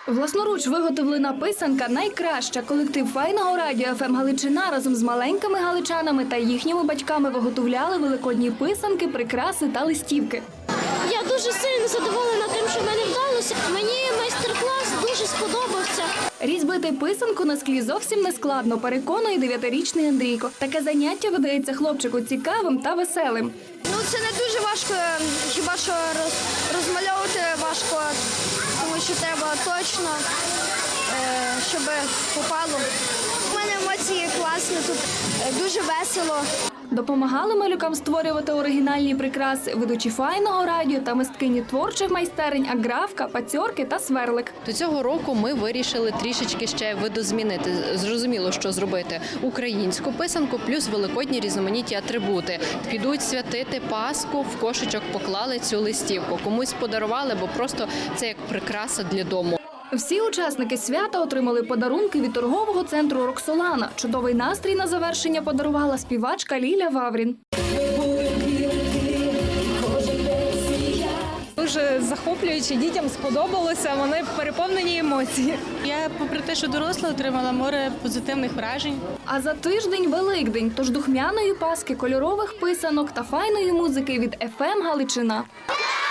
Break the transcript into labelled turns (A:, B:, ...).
A: Власноруч виготовлена писанка найкраща. Колектив Файного радіо ФМ Галичина разом з маленькими галичанами та їхніми батьками виготовляли великодні писанки, прикраси та листівки.
B: Я дуже сильно задоволена тим, що в мене вдалося. Мені майстер-клас дуже сподобався.
A: Різьбити писанку на склі зовсім не складно, переконує 9-річний Андрійко. Таке заняття видається хлопчику цікавим та веселим.
C: Це не дуже важко, хіба що розмальовувати важко, тому що треба точно, щоб попало. У мене емоції класні, тут дуже весело.
A: Допомагали малюкам створювати оригінальні прикраси ведучі Файного радіо та мисткині творчих майстерень Аграфка, Пацьорки та Сверлик.
D: До цього року ми вирішили трішечки ще видозмінити. Зрозуміло, що зробити українську писанку плюс великодні різноманітні атрибути. Підуть святити Пасху, в кошечок поклали цю листівку. Комусь подарували, бо просто це як прикраса для дому.
A: Всі учасники свята отримали подарунки від торгового центру «Роксолана». Чудовий настрій на завершення подарувала співачка Ліля Ваврін.
E: Дуже захоплююче, дітям сподобалося, вони переповнені емоцій.
F: Я, попри те, що доросла, отримала море позитивних вражень.
A: А за тиждень – Великдень, тож духмяної Пасхи, кольорових писанок та файної музики від ФМ Галичина.